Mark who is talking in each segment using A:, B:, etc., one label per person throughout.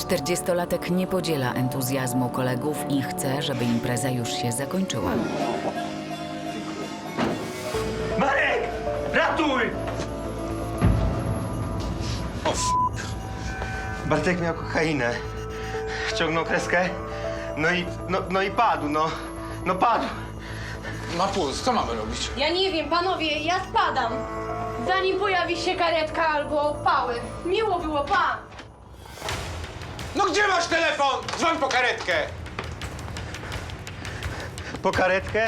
A: 40-latek nie podziela entuzjazmu kolegów i chce, żeby impreza już się zakończyła.
B: Marek! Ratuj!
C: O
B: Bartek miał kokainę. Ściągnął kreskę, no i padł, no padł.
C: Ma puls, co mamy robić?
D: Ja nie wiem, panowie, ja spadam. Zanim pojawi się karetka albo pały. Miło było, pa!
C: No gdzie masz telefon? Dzwoń po karetkę!
B: Po karetkę?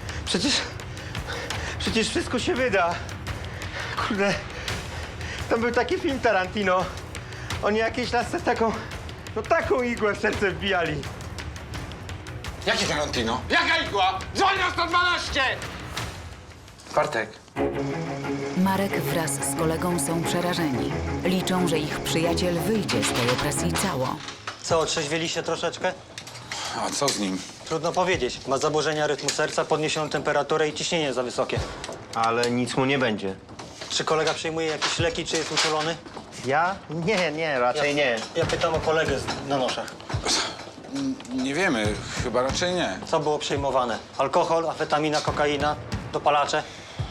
B: Przecież wszystko się wyda. Kurde, tam był taki film Tarantino. Oni jakiejś lasce taką igłę w serce wbijali.
C: Jakie Tarantino? Jaka igła? Dzwoń na 112! Bartek.
A: Marek wraz z kolegą są przerażeni. Liczą, że ich przyjaciel wyjdzie z tej opresji cało.
E: Co, otrzeźwieliście troszeczkę?
C: A co z nim?
E: Trudno powiedzieć. Ma zaburzenia rytmu serca, podniesioną temperaturę i ciśnienie za wysokie.
B: Ale nic mu nie będzie.
E: Czy kolega przyjmuje jakieś leki, czy jest uczulony?
B: Ja? Nie, raczej nie.
E: Ja pytam o kolegę na noszach.
C: Nie wiemy, chyba raczej nie.
E: Co było przyjmowane? Alkohol, amfetamina, kokaina, dopalacze?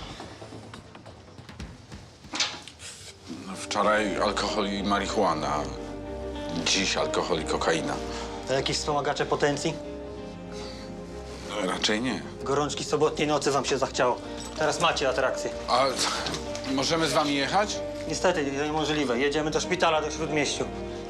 C: No, wczoraj alkohol i marihuana. Dziś alkohol i kokaina.
E: To jakieś wspomagacze potencji?
C: No, raczej nie.
E: Gorączki sobotniej nocy wam się zachciało. Teraz macie atrakcję.
C: A możemy z wami jechać?
E: Niestety, to niemożliwe. Jedziemy do szpitala do Śródmieściu.